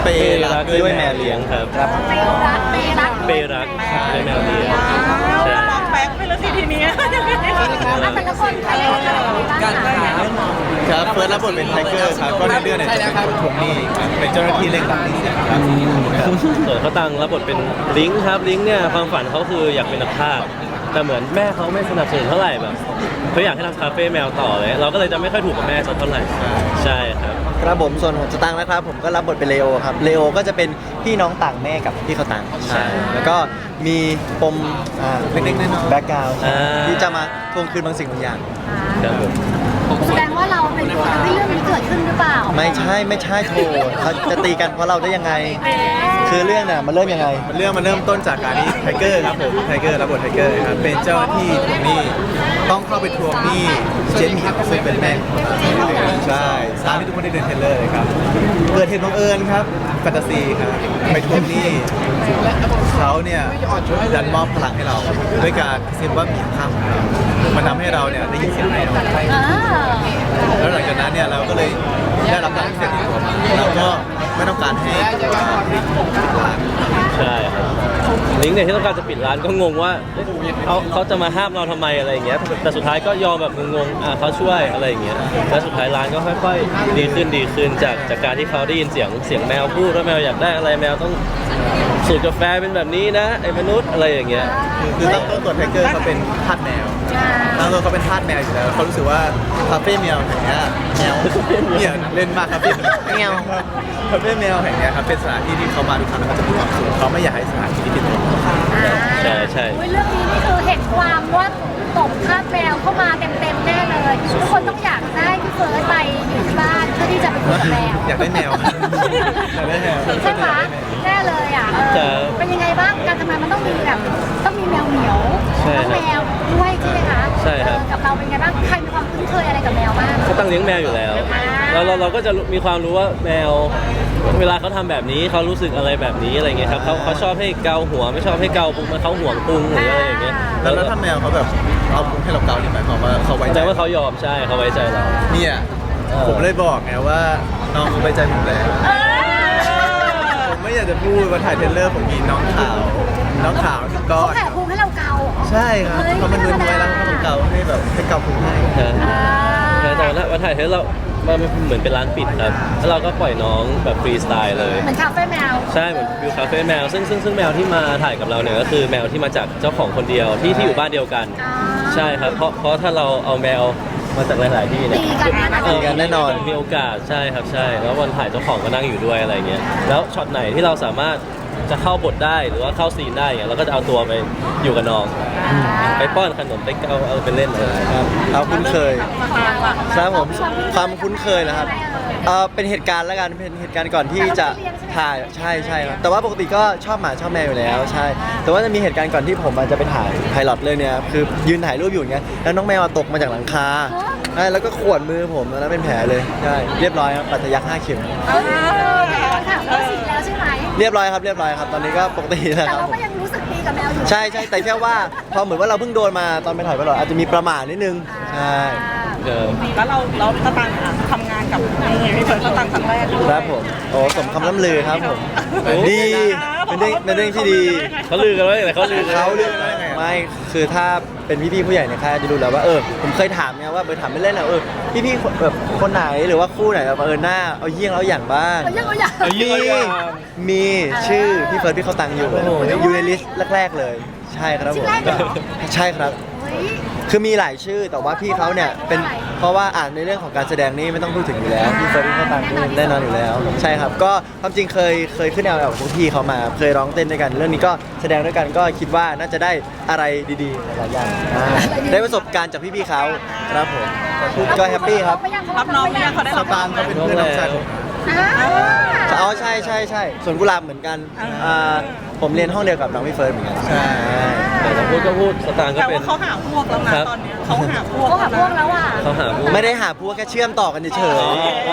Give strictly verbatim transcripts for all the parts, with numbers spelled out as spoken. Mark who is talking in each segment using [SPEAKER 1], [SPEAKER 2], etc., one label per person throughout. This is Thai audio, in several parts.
[SPEAKER 1] เปรักด้วยแมวเลี้ยงครับ
[SPEAKER 2] เปรักเปรัก
[SPEAKER 1] เปรักด้วยแมวเลี้ยงใช่
[SPEAKER 3] ร้องแบ็คไปแล้วสิทีนี้
[SPEAKER 2] แต่ละคนใครเป็นอะไรบ้างคะ
[SPEAKER 4] ครับเฟิร์สรับบทเป็นไทเกอร์ครับก็ในเรื่องเนี่ยจะเป็นคนทวงหนี้ครับเป็นเจ้าหน้าที่เร่งรัดหนี้ครับ
[SPEAKER 1] ส่วนเขาตังรับบทเป็นลิงค์ครับลิงค์เนี่ยความฝันเขาคืออยากเป็นนักพากย์แต่เหมือนแม่เขาไม่สนับสนุนเท่าไหร่แบบเขาอยากให้ทำคาเฟ่แมวต่อเลยเราก็เลยจะไม่ค่อยถูกกับแม่สักเท่าไหร่ใช่ครับ
[SPEAKER 5] ครับผมส่วนของสตังค์นะครับผมก็รับบทเป็นเลโอครับเลโอก็จะเป็นพี่น้องต่างแม่กับพี่เขาตังใช่แล้วก็มีปมอ่า
[SPEAKER 4] เล็กๆน้อยๆ
[SPEAKER 5] แบ็กกราวด์
[SPEAKER 1] อ่า
[SPEAKER 5] ที่จะมาทวงคืนบางสิ่งบางอย่าง
[SPEAKER 1] ครับผม
[SPEAKER 2] แสดงว่าเราเป็นคนทำให้เรื่องนี้เกิดขึ้นหรือเปล่า
[SPEAKER 5] ไม่ใช่ไม่ใช่โถเขาจะตีกันเพราะเราได้ยังไง คือเรื่องน่ะมันเริ่มยังไง
[SPEAKER 4] มันเรื่องมันเริ่มต้นจากการที่ไทเกอร์ครับผมไทเกอร์รับบทไทเกอร์ครับเป็นเจ้าหน้าที่ทวงหนี้ต้องเข้าไปทวงหนี้เจนนี่ซึ่งเป็นแม่ของใช่ตามที่ทุกคนได้เดินเทรลเลอร์เลยครับเกิดเหตุบังเอิญครับแฟนตาซีครับไปทวงหนี้เขาเนี่ยดันมอบพลังให้เราด้วยการกระซิบว่ามีข้ามของเรามันทำให้เราเนี่ยได้ยินเสียงไอดอล
[SPEAKER 2] อ่า
[SPEAKER 4] แล้วหลังจากนั้นเนี่ยเราก็เลยได้รับการเสียงของเราก็ไม่ต้องการให้ปิดร้าน
[SPEAKER 1] ใช่ครับลิงก์เนี่ยที่ต้องการจะปิดร้านก็งงว่าเอ๊ะเขาเขาจะมาห้ามเราทำไมอะไรอย่างเงี้ยแต่สุดท้ายก็ยอมแบบงงๆอ่ะเขาช่วยอะไรอย่างเงี้ยแล้วสุดท้ายร้านก็ค่อยๆดีขึ้นดีขึ้นจากจากการที่เขาได้ยินเสียงเสียงแมวพูดว่าแมวอยากได้อะไรแมวต้องสูตรกาแฟเป็นแบบนี้นะไอ้มนุษย์อะไรอย่างเงี้ย
[SPEAKER 4] คือตั้งต้นตัวไทเกอร์เขาเป็นทาสแมวตั้งต้นเขาเป็นทาสแมวอยู่แล้วเขารู้สึกว่าคาเฟ่แมวแห่งเนี้ยแมวเนี่ยเล่นมากคาเฟ่แมวคาเฟ่แมวแห่งเนี้ยครับเป็นสถานที่ที่เขามาทุกครั้งแล้วเขาจะมีความสุขเขาไม่อยากให้สถานที่ที่ผิดปกติ
[SPEAKER 1] ใช่ใช่
[SPEAKER 2] อุ๊ยเรื่องนี้นี่คือเห็นความว่าตบคาดแมวเข้ามาเต็มๆแน่เลยทุกคนต้องอยากได้พี่เฟิร์สไปอยู่ที่บ้านเพื่อที่จะไปคุยกับแมว
[SPEAKER 4] อยากได้แมวอยากได้แมว
[SPEAKER 2] ใช่ไหมแน่เลยอ่ะเออเป็นยังไงบ้างการทำงานมันต้องมีแบบต้องมีแมวเหมียวต้องแมวด้วยใช่ไหมคะ
[SPEAKER 1] ใช่ครับ
[SPEAKER 2] เออกับเราเป็นไงบ้างใครมีความคุ้นเคยอะไรกับแมวบ้าง
[SPEAKER 1] เขาตั้งเลี้ยงแมวอยู่แล้วแล้วเราเราก็จะมีความรู้ว่าแมวเวลาเขาทำแบบนี้เขารู้สึกอะไรแบบนี้อะไรเงี้ยครับเขาเขาชอบให้เกาหัวไม่ชอบให้เกาพุงมันเขาห่วงพุงหรืออะไรอย่างเงี้ย
[SPEAKER 4] แล้วแล้วถ้าแมวเขาแบบเอาพุงให้เราเกานี่หมายความว่าเขาไว้
[SPEAKER 1] แส
[SPEAKER 4] ใจ
[SPEAKER 1] ดงว่าเขายอมใช่เขาไว้ใจเรา
[SPEAKER 4] เนี่ยผมเลยบอกไงว่าน้องเขาไว้ใจผมแล้วผมไม่อยากจะพูดว่าถ่ายเทรลเลอร์ผมมีน้องขาวน้องขาวที่ก้อ
[SPEAKER 2] เขา
[SPEAKER 4] น
[SPEAKER 2] แผ่พุงให้เราเกาเหรอ
[SPEAKER 4] ใช่ครับเขามันนวลๆแล้วเขามันเกาให้แบบให้เกาพุงให้
[SPEAKER 1] ใช่
[SPEAKER 2] อ่า
[SPEAKER 1] แต่ตอนนั้นวันถ่ายเทปเรามันเหมือนเป็นร้านปิดครับแล้วเราก็ปล่อยน้องแบบฟรีสไตล์เลย
[SPEAKER 2] เหมือนคาเฟ่แมว
[SPEAKER 1] ใช่เหมือนวิวคาเฟ่แมวซึ่งซึ่งซึ่งแมวที่มาถ่ายกับเราเนี่ยก็คือแมวที่มาจากเจ้าของคนเดียวที่ที่อยู่บ้านเดียวกัน
[SPEAKER 2] อ่า
[SPEAKER 1] ใช่ครับเพราะเพราะถ้าเราเอาแมวมาจากหลายๆที่เนี่ย
[SPEAKER 2] ตีกันแน่นอน
[SPEAKER 5] ตีกันแน่นอน
[SPEAKER 1] มีโอกาสใช่ครับใช่แล้ววันถ่ายเจ้าของก็นั่งอยู่ด้วยอะไรเงี้ยแล้วช็อตไหนที่เราสามารถจะเข้าบทได้หรือว่าเข้าซีนได้เนี่ยเราก็จะเอาตัวไปอยู่กับน้องไปป้อนขนมไปเอาเอาไปเล่นอะไร
[SPEAKER 5] ครับเอาคุ้นเคยครับผมความคุ้นเคยนะครับเออเป็นเหตุการณ์แล้วกันเป็นเหตุการณ์ก่อนที่จะถ่ายใช่ใช่ครับแต่ว่าปกติก็ชอบหมาชอบแมวอยู่แล้วใช่ แต่ว่าจะมีเหตุการณ์ก่อนที่ผมอะจะไปถ่ายไพลอตเรื่องเนี้ยคือยืนถ่ายรูปอยู่อย่างเงี้ยแล้วน้องแมวอะตกมาจากหลังคาใช่แล้วก็ข่วนมือผมแล้วเป็นแผลเลยใช่เรียบร้อยครับปัตยักห้าเข็ม
[SPEAKER 2] เออค่ะเราฉีดแล้วใช่ไหม
[SPEAKER 5] เรียบร้อยครับเรียบร้อยครับตอนนี้ก็ปกติแล้ว
[SPEAKER 2] แต่
[SPEAKER 5] ครับ
[SPEAKER 2] เราก็ยังรู้สึกดีกับแมวอยู่
[SPEAKER 5] ใช่ใช่แต่แค่ว่าพอเหมือนว่าเราเพิ่งโดนมาตอนไปถ่ายไพลอตอาจจะมีประมาทนิดนึงใช่
[SPEAKER 1] เออ
[SPEAKER 3] แล้วเราเราสตังค์อะทำงานกับพี่เฟิร์สสตังค์ครั้งแรกด้วย
[SPEAKER 5] ครับผมโอ้สมคำล่ำลือครับผมดีเป็นเรื่องเป็นเรื่องที่ดี
[SPEAKER 1] เขาลือกันไว้แต่เขาลือกัน
[SPEAKER 5] เขาเรื่องไม่คือถ้าเป็นพี่ๆผู้ใหญ่ในค่ายจะรู้แล้วว่าเออผมเคยถามไงว่าเบอร์ถามไม่เล่นนะเออพี่ๆแบบคนไหนหรือว่าคู่ไหนแบบเออหน้าเอาเยี่ยงเอาอย่างบ้าง
[SPEAKER 2] เอายังเอายัง
[SPEAKER 1] เอายี่
[SPEAKER 5] มี
[SPEAKER 1] ห้อ
[SPEAKER 5] มีชื่อพี่เฟิร์สพี่เขาตังอยู่อยู่ในลิสต์แรกๆเลย ใช่ครับผมก็ใช่ครับ
[SPEAKER 2] เฮ้ย
[SPEAKER 5] คือมีหลายชื่อแต่ว่าพี่เขาเนี่ยเป็นเพราะว่าอ่านในเรื่องของการแสดงนี่ไม่ต้องพูดถึงอยู่แล้วพี่เฟิร์นพี่เขาตังนี่แน่นอนอยู่แล้ว ใช่ครับก็ความจริงเคยเคยขึ้นแนวกับพวกพี่เขามาเคยร้องเต้นด้วยกัน เรื่องนี้ก็แสดงด้วยกันก็คิดว่าน่าจะได้อะไรดีๆหลายอย่างอ่าได้ประสบการณ์จากพี่ๆเขาครับผมก็แฮปปี้ครับ
[SPEAKER 3] รับน้องไม่ยังเขาได้
[SPEAKER 4] ส
[SPEAKER 3] รับ
[SPEAKER 4] ตางค์เขาเป็นเพื่อนน้องชายผม
[SPEAKER 2] อ่า
[SPEAKER 5] อ๋อใช่ใช่ใช่ส่วนกุหลาบเหมือนกันอ่าผมเรียนห้องเดียวกับน้องพี่เฟิร์นเหมือนกันใช่
[SPEAKER 1] แต่จะพูดก็พูดสตางค์ก็
[SPEAKER 3] แต่
[SPEAKER 1] เป็น
[SPEAKER 3] ว่าเขาหาพวกแล้วนะครับ ตอนเนี้ยเขาหาพวก
[SPEAKER 2] เขาหาพวกแล้วอ่ะ
[SPEAKER 1] เขาหาพวก
[SPEAKER 5] ไม่ได้หาพวกแค่เชื่อมต่อกันเฉย
[SPEAKER 1] อ๋อ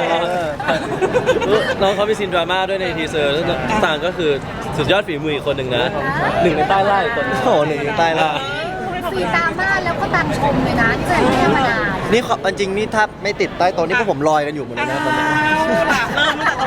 [SPEAKER 5] ๆ
[SPEAKER 1] น้องเขามีซีนดราม่าด้วยในทีเซอร์แล้วต่างก็คือสุดยอดฝีมืออีกคนหนึ่งนะหนึ่งในใต้ไล่คนหนึ่ง
[SPEAKER 5] โอ้โหหนึ่งอยู่ใต้ล่า
[SPEAKER 2] ฟีตามบ้านแล้วก็ตามชมเลยนะที่แสดงไม่ธรรมดา
[SPEAKER 5] นี่ขอจริงๆนี่ถ้าไม่ติดใต้โต๊ะนี่พวกผมลอยกันอยู่หมดเลยนะตอนนี้
[SPEAKER 3] เอาล่ะเริ่มตั้งแต่ตรง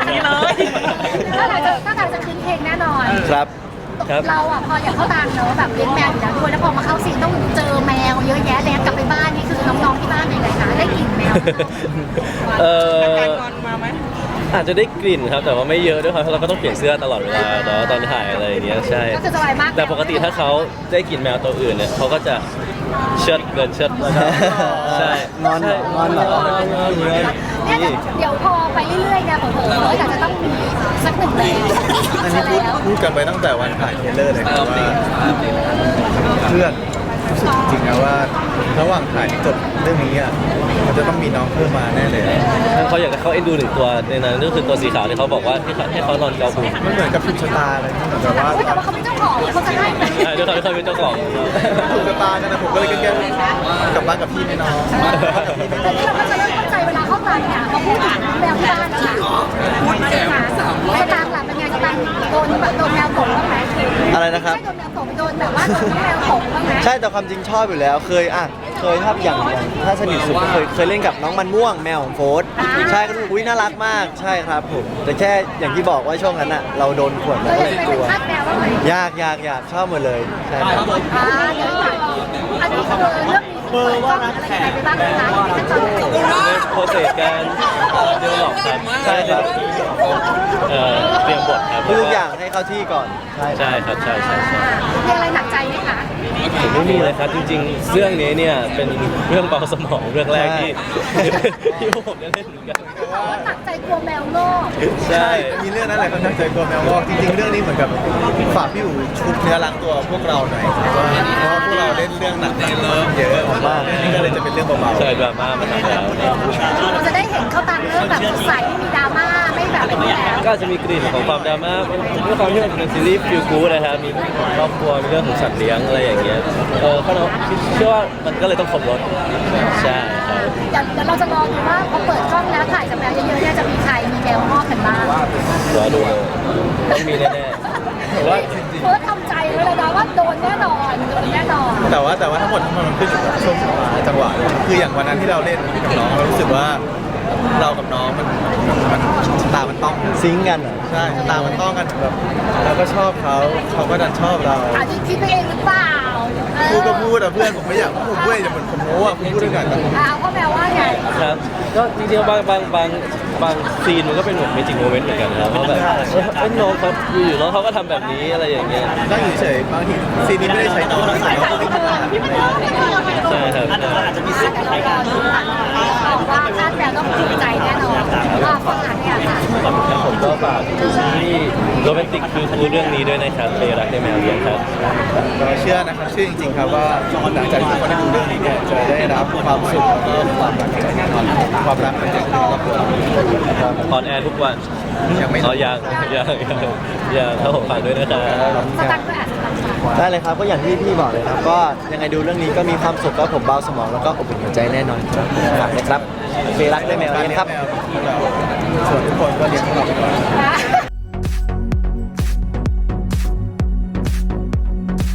[SPEAKER 3] นี้เลย
[SPEAKER 2] ถ้าทางจะถ้าทางจะคืนเพลงแน่นอน
[SPEAKER 5] ครับ
[SPEAKER 1] ครับ
[SPEAKER 2] เราอ่ะพออย่างเข้าตามเนอะแบบเลี้ยงแมวอยู่แล้วด้วยแล้วพอมาเข้าซีนต้องเจอแมวเยอะแยะเลยกลับไปบ้านนี่คือน้องๆที่บ้านเป็นไงคะได้กลิ่นแมว
[SPEAKER 1] เอ
[SPEAKER 3] การ
[SPEAKER 1] อ
[SPEAKER 3] งอนมาไหม
[SPEAKER 1] อาจจะได้กลิ่นครับแต่ว่าไม่เยอะด้วยครับเพราะเราก็ต้องเปลี่ยนเสื้อตลอดเวลาเนาะตอนถ่ายอะไรอย่างเงี้ยใช่
[SPEAKER 2] ก็คือสบายมาก
[SPEAKER 1] แต่ปกติถ้าเขาได้กลิ่นแมวตัวอื่นเนี่ยเขาก็จะเชิดเดินเชิดแล้วก็ใช่
[SPEAKER 5] งอนเหรองอนเหรอ
[SPEAKER 1] งอนงอนงอน
[SPEAKER 2] เนี่ยเดี๋ยวพอไปเรื่อยๆเนี่ยผมเผลอๆอาจจะต้องมีสักหนึ่งแมว
[SPEAKER 4] อันนี้พูดพูดกันไปตั้งแต่วันถ่ายเทรลเลอร์เลยครับว่าเพื่อนรู้สึกจริงๆนะว่าระหว่างถ่ายจบเรื่องนี้อ่ะมันจะต้องมีน้องเพิ่มมาแน่เลย
[SPEAKER 1] เขาอยากให้เขาเอ็นดูหนึ่งตัวในนั้นก็คือตัวสีขาวที่เขาบอกว่าให้เขาให้เขานอนเกาพุง
[SPEAKER 4] มันเหมือนกับถูกชะตาเลยเหมือนกับว่า
[SPEAKER 2] อุ๊ยแต่ว่าเขาเป็นเจ้าของเขาจะให้ไหม
[SPEAKER 1] ใช่ด้วยความที่เขาเป็นเจ้าของ
[SPEAKER 4] ถูกชะตากันนะผมก็เลยแกล้งกลับบ้านกับพี่ไหมน้องกลับบ้านกับพี่ไหม
[SPEAKER 2] แต่ที่เราก็จะเริ่มเข้าใจเวลาเข้าตามเนี่ยเขาพูดถึงแมวที่บ้านนะคะพูดแมวสตางค์ล่ะเป็นไงสตางค์โดนแบบโดนแมวตกบ้างไหม
[SPEAKER 5] อะไรนะครับ
[SPEAKER 2] ใช่โดนแมวตกโดนแบบว่าโดนน้องแมวตกบ้างไหม
[SPEAKER 5] ใช่แต่ความจริงชอบอยู่แล้วเคยอ่ะเคยถ้าอย่างอย่างถ้าสนิทสุดก็เคยเคยเล่นกับน้องมันม่วงแมวของโฟร์ใช่ก็รู้สึกอุ้ยน่ารักมากใช่ครับผมแต่แค่อย่างที่บอกว่าช่วงนั้นอ่ะเราโดนขวด
[SPEAKER 2] เรา
[SPEAKER 5] เรา
[SPEAKER 2] อ
[SPEAKER 5] ก็
[SPEAKER 2] ยาก
[SPEAKER 5] เลย
[SPEAKER 2] จะไป
[SPEAKER 5] กลั
[SPEAKER 2] เป็น
[SPEAKER 5] ว
[SPEAKER 2] ทาสแมวบ้างไหม
[SPEAKER 5] ยากยากยากชอบหมดเลยใช่ครับ
[SPEAKER 2] อ่าเดี๋ยวก่อนอันนี้คือเรื่องนี้เปิดกล้องอะไรยังไงไปบ้างนะคะขั้นตอนไหน
[SPEAKER 1] ในโปรเซสการเดเวลลอปครับ
[SPEAKER 5] ใช่ครับ
[SPEAKER 1] เอ่อเตรียมบทครับ
[SPEAKER 5] ทุกอย่างให้เข้าที่ก่อนใช่ค
[SPEAKER 1] ใช่
[SPEAKER 5] รับ
[SPEAKER 1] ครับใช่ใช่ใช่
[SPEAKER 2] มีอะไรหนักใจไหมคะ
[SPEAKER 1] ผมไม่มีเลยครับจริงๆ เรื่องนี้เนี่ยเป็นเรื่องเบาสมองเรื่องแรกที่ ที่พวกผมได้เล่นเหมือนกัน
[SPEAKER 2] ที่บอกว่าหนักใจกลัวแมวโลก
[SPEAKER 1] ใช่
[SPEAKER 4] มีเรื่องนั้นแหละเขาตั้งใจกลัวแมวงอกจริงๆเรื่องนี้เหมือนกับฝากพี่อู๋ชุบเนื้อล้างตัวพวกเราหน่อยเพราะว่าเพราะว่าพวกเราเล่นเรื่องหนักๆเยอะมากนี่ก็เลยจะเป็นเรื่องเบาๆ
[SPEAKER 1] ใช่ดราม่ามันแล้ว
[SPEAKER 2] เราจะได้เห็นเขาตามเรื่องแบบสดใสไม่มีดราม่าไม่แบบเป็นแล้ว
[SPEAKER 1] ก็อาจจะมีกลิ่นของความดราม่าด้วยความที่มันเป็นซีรีส์ฟิลกู๊ดนะครับมีครอบครัวมีเรื่องของสัตว์เลี้ยงอะไรอย่างเงี้ยเออเพราะเราเชื่อว่ามันก็เลยต้องครบรถใช่ครับ
[SPEAKER 2] เดี๋ยวเดี๋ยวเราจะรอดูว่าพอเปิดกล้องแล้วถ่ายกับแมวเยอะๆเนี่ยจะมีใครมีแมวงอกกันบ้าง
[SPEAKER 1] รอดูต้องมีแน่
[SPEAKER 4] แต่ว่า
[SPEAKER 2] เฟิร์สทำใจไว้เลยนะว่าโดนแน่นอนโดนแน่นอน
[SPEAKER 4] แต่ว่าแต่ว่าทั้งหมดทั้งมวลมันขึ้นอยู่กับช่วงจังหวะจังหวะเลยคืออย่างวันนั้นที่เราเล่นกับน้องเรารู้สึกว่าเรากับน้องมันมันชะตามันต้องกัน
[SPEAKER 5] ซิงค์กันเหรอ
[SPEAKER 4] ใช่ชะตามันต้องกันแบบเราก็ชอบเขาเขาก็ดันชอบเรา
[SPEAKER 2] อาจจะคิดไปเองหรือเปล่าเออ
[SPEAKER 4] พูดก็พูดอะเพื่อนผมไม่อยากพูดผมพูดอย่าเหมือนผมโม้อะผมพูดด้วยกันแต่ผม
[SPEAKER 2] อ่าพ่อแมวว่าไง
[SPEAKER 1] ๆครับก็จริงๆบางบางบางบางซีนมันก็เป็นเหมือนเมจิกโมเมนต์เหมือนกันครับเพราะแบบเออเอ้ยน้องเขาอยู่ๆน้องเขาก็ทำแบบนี้อะไรอย่างเงี้ย
[SPEAKER 4] นั่งอยู่เฉยบางทีซีนนี้ไม่ได้ใช้น้องนะใส่น้องเขาเป็นคนทำ
[SPEAKER 1] ใช่ครับใช่
[SPEAKER 2] อาจจะมีสิ่งที่เรารอดูค่ะว่าคาดแมวต้องถูกใจแน่นอนก็ฝากเนี่ยค่ะ
[SPEAKER 1] ครับผมก็ฝากที่โรแมนติกคือคูเรื่องนี้ด้วยนะครับเพลรักในแมวเลี้ยงครับ
[SPEAKER 4] เราเชื่อนะครับเชื่อจริงๆครับว่าหลังจากที่ทุกคนได้ดูเรื่องนี้เนี่ยจะได้รับความสุขแล้วก็ความรักจากแน่นอนความรักมันจะเกิดกับเรา
[SPEAKER 1] ออนแอร์ทุกวัน
[SPEAKER 4] ยังไม่
[SPEAKER 1] อ๋อยังยังยังยังครับผมฝากด้วยนะครับ
[SPEAKER 2] สตังค์ก็อาจจะตังค์ค่ะ
[SPEAKER 5] ได้เลยครับก็อย่างที่พี่บอกเลยครับก็ยังไงดูเรื่องนี้ก็มีความสุขก็ผมเบาสมองแล้วก็อบอุ่นหัวใจแน่นอนครับผมฝากเลยครับเฟรักได้แมวเลี้ยงครับ
[SPEAKER 4] แมวของเราส่วนทุกคนก็เลี้ยงของเราไปก่อน
[SPEAKER 2] นะ